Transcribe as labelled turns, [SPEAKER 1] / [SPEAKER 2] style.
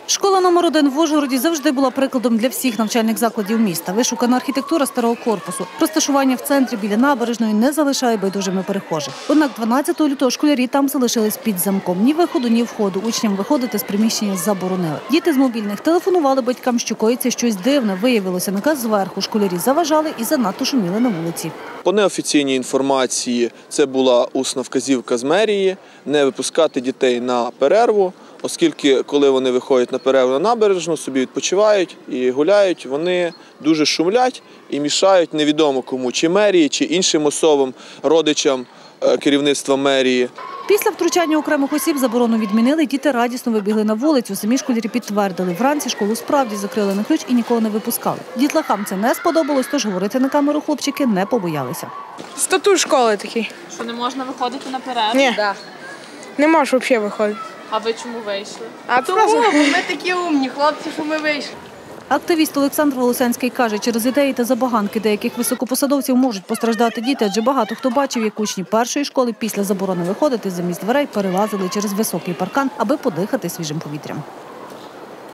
[SPEAKER 1] Школа номер 1 в Ужгороді завжди була прикладом для всіх навчальних закладів міста. Вишукана архітектура старого корпусу, розташування в центрі біля набережної не залишає байдужими перехожих. Однак 12 лютого школярі там залишились під замком. Ні виходу, ні входу. Учням виходити з приміщення заборонили. Діти з мобільних телефонували батькам, що коїться щось дивне. Виявилося наказ зверху. Школярі заважали і занадто шуміли на вулиці.
[SPEAKER 2] По неофіційній інформації це була усна вказівка з мерії не випускати дітей на перерву, оскільки коли вони виходять на перерву на набережну, собі відпочивають і гуляють, вони дуже шумлять і мішають невідомо кому, чи мерії, чи іншим особам, родичам керівництва мерії.
[SPEAKER 1] Після втручання окремих осіб заборону відмінили, діти радісно вибігли на вулицю. Самі школярі підтвердили, вранці школу справді закрили на ключ і нікого не випускали. Дітлахам це не сподобалось, тож говорити на камеру хлопчики не побоялися.
[SPEAKER 3] Статут школи такий.
[SPEAKER 4] Що не можна виходити на перерву?
[SPEAKER 3] Ні, не можеш взагалі виходити.
[SPEAKER 4] А ви чому вийшли?
[SPEAKER 3] Тому
[SPEAKER 5] ми такі умні хлопці, що ми вийшли.
[SPEAKER 1] Активіст Олександр Волосянський каже, через ідеї та забаганки деяких високопосадовців можуть постраждати діти, адже багато хто бачив, як учні першої школи після заборони виходити замість дверей перелазили через високий паркан, аби подихати свіжим повітрям.